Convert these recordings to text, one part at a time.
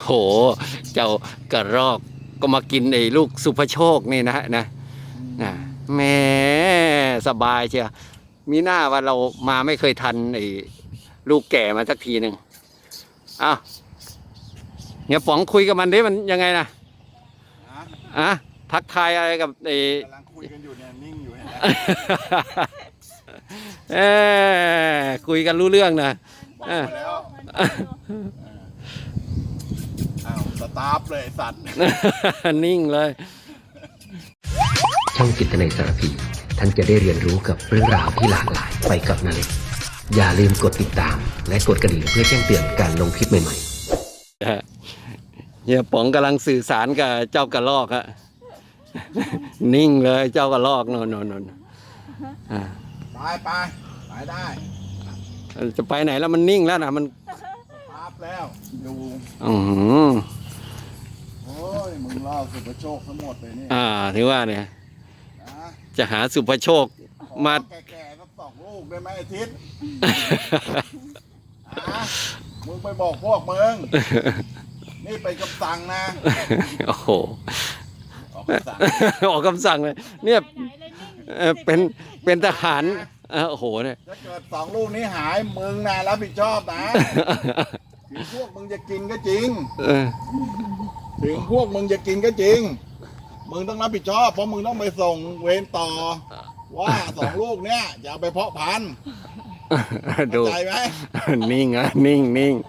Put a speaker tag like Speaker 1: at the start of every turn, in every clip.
Speaker 1: หเจ้ากระรอกก็มากินไอ้ลูกสุภโชคนี่นะแหมสบายเชียวมีหน้าว่าเรามาไม่เคยทันไอ้ลูกแก่มาสักทีหนึ่งอ้าวเฮียป๋องคุยกับมันดิมันยังไงนะทักทายอะไรกับไอ้
Speaker 2: กำลังคุยกันอยู่เนี่ยนิ่งอยู่เห็นไหม
Speaker 1: คุยกันรู้เรื่องนะ
Speaker 2: แล้วอ้าวสตาร์ฟเลยสัตว์
Speaker 1: นิ่งเลย
Speaker 3: ช่องจิตนาสารพี ท่านจะได้เรียนรู้กับเรื่องราวที่หลากหลายไปกับนาเล็กอย่าลืมกดติดตามและกดกระดิ่งเพื่อแจ้งเตือนการลงคลิปใหม่
Speaker 1: ๆเฮียป๋องกำลังสื่อสารกับเจ้ากระรอกฮะ นิ่งเลยเจ้ากระรอกนน
Speaker 2: ไปได้
Speaker 1: จะไปไหนแล้วมันนิ่งแล้วนะมัน
Speaker 2: พับแล้วอยู่โอ้ยมึงเล่าสุภโชคทั้งหมดเลยนี่
Speaker 1: ถือว่าเนี่ยจะหาสุภโชคมา
Speaker 2: แก่ๆก็2 ลูกได้ไหมอาทิตย์มึงไปบอกพวกมึงนี่ไปคำสั่งนะ
Speaker 1: โอ้โหออกคำสั่งเลยเนี่ยเป็นทหารโอ้โหเนี่ย
Speaker 2: ถ้าเกิด2 ลูกนี้หายมึงนะรับผิดชอบนะถึงพวกมึงจะกินก็จริงถึงพวกมึงจะกินก็จริงมึงต้องรับผิดชอบเพราะมึงต้องไปส่งเวรต่อว่า2 ลูกเนี้ยจะเอาไปเพาะพันธุ์
Speaker 1: ดู
Speaker 2: ใจไหม
Speaker 1: นิ่งนิ่ง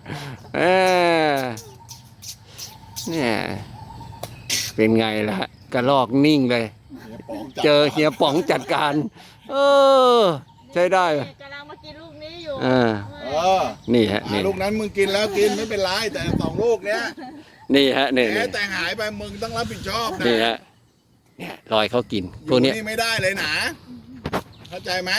Speaker 1: เนี่ยเป็นไงล่ะกระลอกนิ่งเลยเจอเฮียป๋องจัดการใช้ได้
Speaker 4: กำลังมากินลูกนี้อยู่
Speaker 1: นี่ฮะนี่
Speaker 2: ลูกนั้นมึงกินแล้วกินไม่เป็นไรแต่2 ลูกเนี้ย
Speaker 1: นี่ฮะนี่
Speaker 2: แต่หายไปมึงต้องรับผิดชอบนะ
Speaker 1: นี่ฮะเนี่ยรอยเขากินพวกนี้
Speaker 2: นี่ไม่ได้เลยนะเข้าใจไหม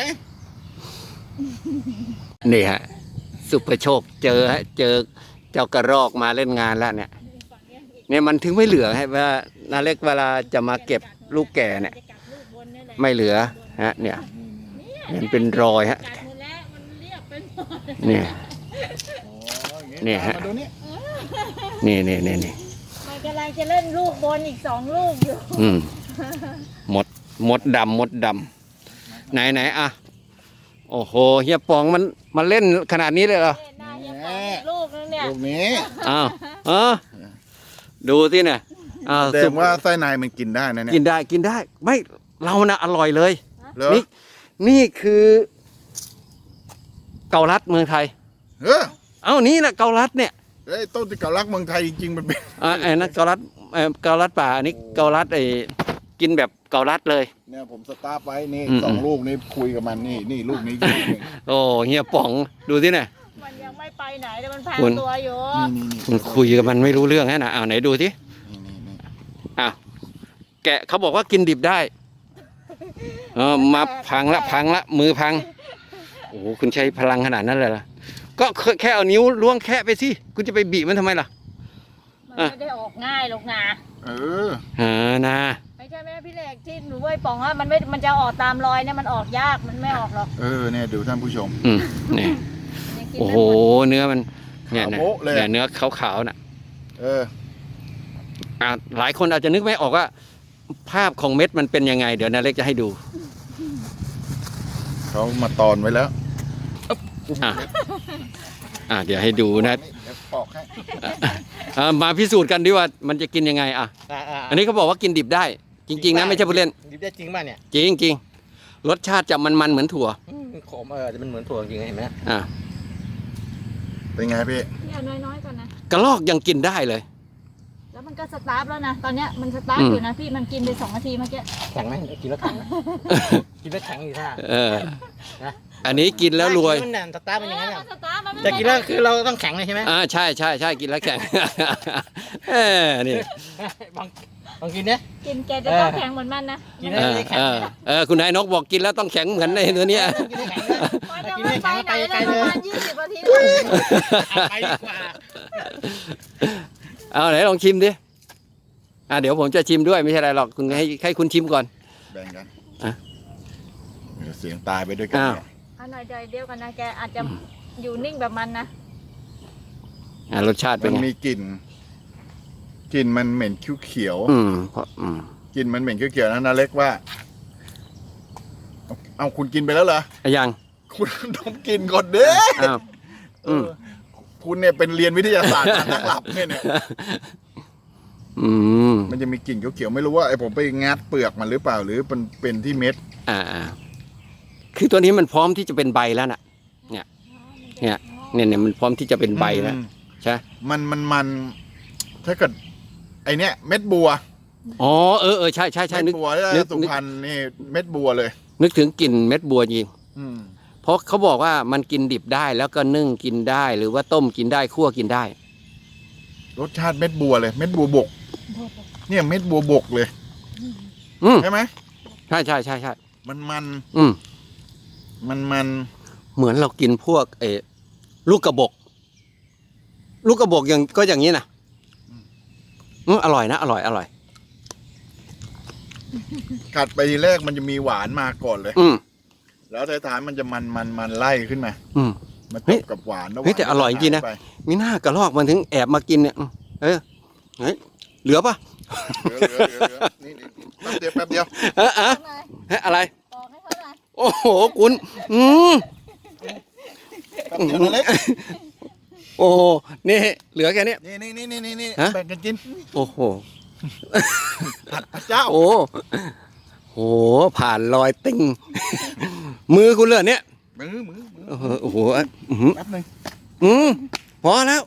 Speaker 1: นี่ฮะสุภโชคเจอเจ้ากระรอกมาเล่นงานแล้วเนี่ยมันถึงไม่เหลือให้ว่านาเล็กเวลาจะมาเก็บลูกแก่เนี่ยไม่เหลือฮะเนี่ยมันเป็นรอยฮะเนี่ยฮะนี่
Speaker 4: มันกำลังจะเล่นลูกบนอีก2 ลูกอยู่
Speaker 1: มดดำไหนอ่ะโอ้โหเฮียป๋องมันเล่นขนาดนี้เลยเหรอ
Speaker 4: ลูกนึงเนี่ย
Speaker 2: ลูกนี้
Speaker 1: ดูสิเนี่ย
Speaker 2: แสดงว่าไส้ในมันกินได้นะเนี่ย
Speaker 1: กินได้ไม่เรานะอร่อยเลยนี่คือเกาลัดเมืองไทยนี่นะเกาลัดเนี่ย
Speaker 2: ต้นที่เกาลัดเมืองไทยจริงๆมันเป็น
Speaker 1: ไอ้นั่นเกาลัดป่าอันนี้เกาลัดกินแบบเกาลัดเลย
Speaker 2: เนี่ยผมสตาร์ฟไว้นี่2 ลูกนี้คุยกับมันนี่ลูกนี้
Speaker 1: โอ้เฮียป๋องดูสิเนี่ย
Speaker 4: มันยังไม่ไปไหนแต่มันพังตัวอยู่
Speaker 1: คุณคุยกับมันไม่รู้เรื่องนะไหนดูสิแกะเขาบอกว่ากินดิบได้มาพังละมือพังโอ้โหคุณใช้พลังขนาดนั้นเลยล่ะก็แค่เอานิ้วล้วงแค่ไปสิคุณจะไปบีบมันทำไมล่ะ
Speaker 4: มันไม่ได้ออกง่ายหรอกนะ
Speaker 1: นะ
Speaker 4: ไม่ใช่แม่พี่เล็กที่หนูไว้ป๋องว่ามันจะออกตามรอยเนี่ยมันออกยากมันไม่ออกหรอก
Speaker 2: เนี่ยดูท่านผู้ชม
Speaker 1: นี่โอ้โหเนื้อมันเนี่ยเนื้อขาวๆน่ะหลายคนอาจจะนึกไม่ออกว่าภาพของเม็ดมันเป็นยังไงเดี๋ยวนาเล็กจะให้ดู
Speaker 2: เขามาตอนไว้แล้ว
Speaker 1: เดี๋ยวให้ดูนะมาพิสูจน์กันดิว่ามันจะกินยังไงอันนี้เขาบอกว่ากินดิบได้จริงๆนะไม่ใช่ผู้เล่น
Speaker 5: ดิบได้จริงป่ะเนี่ย
Speaker 1: จริงรสชาติจะมันเหมือนถั่ว
Speaker 5: ขมจะมันเหมือนถั่วจริงเห็นไหม
Speaker 2: เป็นไงพี่
Speaker 4: เอาน้อยๆก่อนนะ
Speaker 1: กระรอกยังกินได้เลย
Speaker 4: แล้วมันก็สตาร์ทแล้วนะตอนเนี้ยมันสตาร์ทอยู่นะพี่มันกินไป2 นาทีเมื่อกี้
Speaker 5: แข็งไหมกินแล้วแข็งกินแล้วแข็งอยู่ท่า
Speaker 1: อันนี้กินแล้วรวย
Speaker 5: มันสตาร์ทมันอย่างนั้นแต่กินแล้วคือเราต้องแข็งเลยใช่ไหม
Speaker 1: ใช่กินแล้วแข็งนี่
Speaker 5: ลองกินเนี่ย
Speaker 4: กินแกจะต้องแข็งเหมือนมันนะ
Speaker 5: กินแล้วแข็ง
Speaker 1: คุณนายนกบอกกินแล้วต้องแข็งเหมือนในตัวเนี้ย
Speaker 4: กินไม่ไปไหนเลยประมาณ20 นาที
Speaker 5: ไปดีกว่า
Speaker 1: ไหนลองชิมดิเดี๋ยวผมจะชิมด้วยไม่ใช่อะไรหรอกคุณให้คุณชิมก่อน
Speaker 2: แบ่งกันเสียงตายไปด้วยกัน
Speaker 4: หน่อยเดียวกันนะแกอาจจะอยู่นิ่งแบบมันนะ
Speaker 1: รสชาติเป็นไง
Speaker 2: มีกลิ่นกลิ่นมันเหม็นเขียว
Speaker 1: เพราะ
Speaker 2: ๆกลิ่นมันเหม็นเขียวๆนะนาเล็กว่า เอาคุณกินไปแล้วเหรอ
Speaker 1: ยัง
Speaker 2: คุณต้องกินก่อนเด้
Speaker 1: อ้าว
Speaker 2: เออคุณเนี่ยเป็นเรียนวิทยาศาสตร์นักหลับเนี่ย มันจะมีกลิ่นเขียวๆไม่รู้ว่าไอ้ผมไปงัดเปลือกมันหรือเปล่าหรือเป็นที่เม็ด
Speaker 1: คือตัวนี้มันพร้อมที่จะเป็นใบแล้วน่ะ เนี่ยมันพร้อมที่จะเป็นใบแล้วใช่
Speaker 2: มันถ้าเกิดไอเนี้ยเม็ดบัว
Speaker 1: อ๋อใช่
Speaker 2: เม็ดบัวแล้วสุพรรณนี่เม็ดบัวเลย
Speaker 1: นึกถึงกลิ่นเม็ดบัวจริง
Speaker 2: อืม
Speaker 1: เพราะเขาบอกว่ามันกินดิบได้แล้วก็นึ่งกินได้หรือว่าต้มกินได้คั่วกินได้
Speaker 2: รสชาติเม็ดบัวเลย เม็ดบัวบก เนี่ยเม็ดบัวบกเลย ใช่ไหม
Speaker 1: ใช่
Speaker 2: มัน
Speaker 1: เหมือนเรากินพวกลูกกระบอกอย่างนี้นะอร่อยนะอร่อย
Speaker 2: กัดไปทีแรกมันจะมีหวานมาก่อนเลย แล้วท้ายๆมันจะมันไล่ขึ้นมามาจบกับหวานแล้ว
Speaker 1: เฮ้ยแต่อร่อยจริงนะมีหน้ากระรอกมันถึงแอบมากินเนี่ยเหลือปะ
Speaker 2: เหลือนี่แป๊บเดียว
Speaker 1: อะไร
Speaker 4: บอกให้เขาหน่อย
Speaker 1: โอ้โหคุณ
Speaker 2: แป๊บเดียวนะเล็ก
Speaker 1: โอ้โหนี่เหลือแค่นี้
Speaker 2: นี่
Speaker 1: ฮะ
Speaker 2: แบ่งกันกิน
Speaker 1: โอ้โห
Speaker 2: พระเจ้า
Speaker 1: โอ้โหผ่านรอยติ่งมือคุณเลยเนี่ย
Speaker 2: มือ
Speaker 1: โอ้โห
Speaker 2: แป๊บหนึง
Speaker 1: พอแล้ว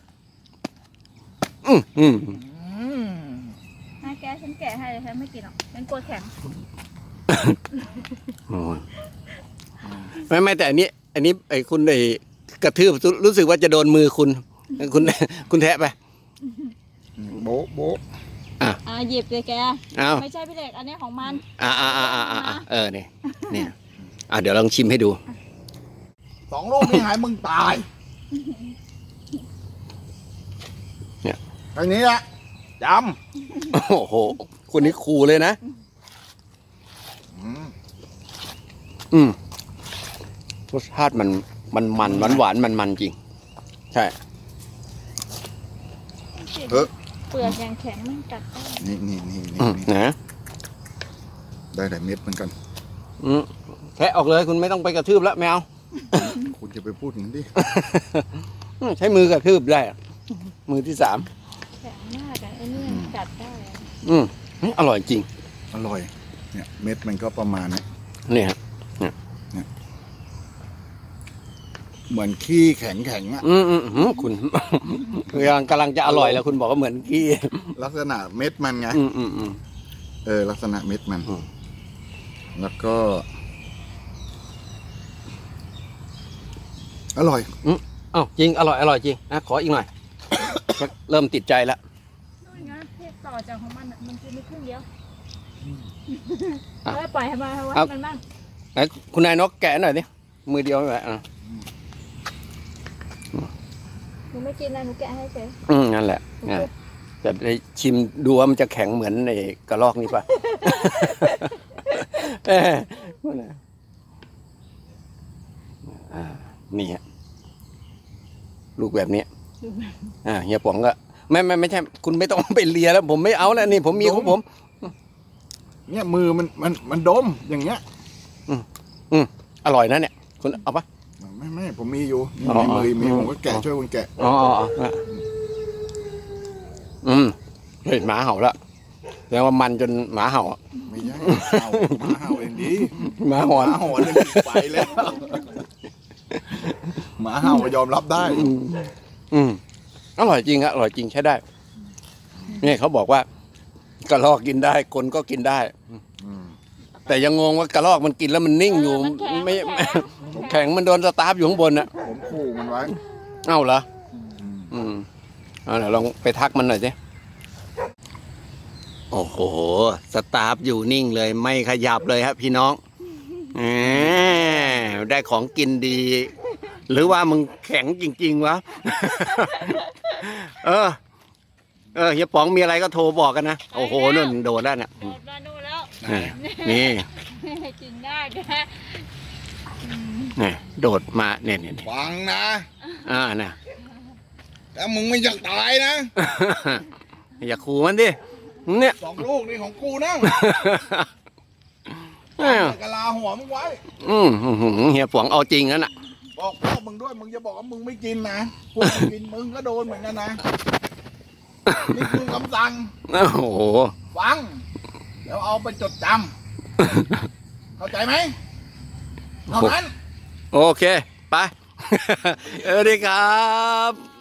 Speaker 4: ให้แกฉันแกะให้ฉันไม่กินหรอกฉันกลัวแข็ง
Speaker 1: ไม่แต่อันนี้ไอ้คุณกระทืบรู้สึกว่าจะโดนมือคุณแทะไป
Speaker 2: โบ๊ะ
Speaker 4: หยิบเลยแก
Speaker 1: อ้าว
Speaker 4: ไม่ใช่พี่เด็กอันนี้ของมัน
Speaker 1: เนี่ยเดี๋ยวลองชิมให้ดู
Speaker 2: 2 ลูกนี่หายมึงตาย
Speaker 1: เนี่ย
Speaker 2: อันนี้ละจ
Speaker 1: โอ้โหคุณนี่ขู่เลยนะ รสชาติมันหวานมันจริง ใช่
Speaker 2: ำ
Speaker 4: เปลือกยังแข็งมันกัดได้
Speaker 2: นี่
Speaker 1: นะ
Speaker 2: ได้แต่เม็ดเหมือนกัน
Speaker 1: แทะออกเลยคุณไม่ต้องไปกระทืบแล้วแมว
Speaker 2: คุณจะไปพูดอย่างนั้นดิ
Speaker 1: ใช้มือกระทืบได้อะมือที่ 3
Speaker 4: แข็งมากอ่ะไอ้นี่มันกัดได้อะ
Speaker 1: อร่อยจริง
Speaker 2: อร่อย เนี่ยเม็ดมันก็ประมาณนี้
Speaker 1: เนี่ย
Speaker 2: เหมือนขี้แข็งอ่ะ
Speaker 1: คุณ กำลังจะอร่อยแล้วคุณบอกว่าเหมือนกี้
Speaker 2: ลักษณะเม็ดมันไงลักษณะเม็ดมัน แล้วก็ อร่อย
Speaker 1: จริงอร่อยจริงขออีกหน่อย เริ่มติดใจแล้ว
Speaker 4: นู่นไงที่ต่อจากของมันอ่ะมันกินไม่ครึ่งเดียวปล่อยให้มาวัดมันบ้าง
Speaker 1: ไหนคุณนายนกแกะหน่อยดิมือเดียวไม่ไหว
Speaker 4: หนูไม่กินนะหนูแกะให้เฉย
Speaker 1: นั่นแหละจะได้ชิมดูว่ามันจะแข็งเหมือนไอ้กระรอกนี่ป่ะ นี่ฮะลูกแบบนี้เฮียป๋องก็ไม่ใช่คุณไม่ต้องไปเลียแล้ว ผมไม่เอาแล้วนี่ผมมีของผม
Speaker 2: เนี่ยมือมันดมอย่างเงี้ย
Speaker 1: อร่อยนะเนี่ยคุณเอาปะ
Speaker 2: ไม่ผมมีอยู่มีผมก็แกะช่วยคุณแกะ
Speaker 1: เฮ้ยหมาเห่าแล้วแสดงว่ามันจนหมาเห่า
Speaker 2: ไม่ใช่หมาเห่าเองดี
Speaker 1: หมาหอน
Speaker 2: เรื่องไปแล้วหมาเห่าก็ยอมรับได้
Speaker 1: อร่อยจริงอร่อยจริงใช้ได้นี่เขาบอกว่ากระรอกกินได้คนก็กินได้แต่ยังงงว่ากระรอกมันกินแล้วมันนิ่งอยู่ไม่แข็งมันโดนสตาร์ฟอยู่ข้างบนน่ะ
Speaker 2: ผมขู่มันไว้
Speaker 1: เอ้าเหรอเดี๋ยวลองไปทักมันหน่อยสิโอ้โหสตาร์ฟอยู่นิ่งเลยไม่ขยับเลยครับพี่น้องได้ของกินดี หรือว่ามึงแข็งจริงๆวะ เฮียป๋องมีอะไรก็โทรบอกกันนะโอ้โหนู่นโดดแล้วเนี่ย
Speaker 4: โดดมานู่นแล้ว
Speaker 1: นี่
Speaker 4: กินได้แก
Speaker 1: โดดมาเนี่ย
Speaker 2: ฟังนะ
Speaker 1: นะ
Speaker 2: แล้วมึงไม่อยากตายนะ
Speaker 1: อย่าขู่มันดิเนี่ย
Speaker 2: 2 ลูกนี่ของกูนะ
Speaker 1: เออก
Speaker 2: ะลาหัวมึงไว้
Speaker 1: เฮียฝวงเอาจริงนั่นน่ะ
Speaker 2: บอกพวกมึงด้วยมึงจะบอกว่ามึงไม่กินนะพวกมึงกินมึงก็โดนเหมือนกันนะนี่คือคำสั่ง
Speaker 1: โอ้โห
Speaker 2: ฟังแล้วเอาไปจดจำเข้าใจไหมเท่านั้น
Speaker 1: โอเค ไป เออดีครับ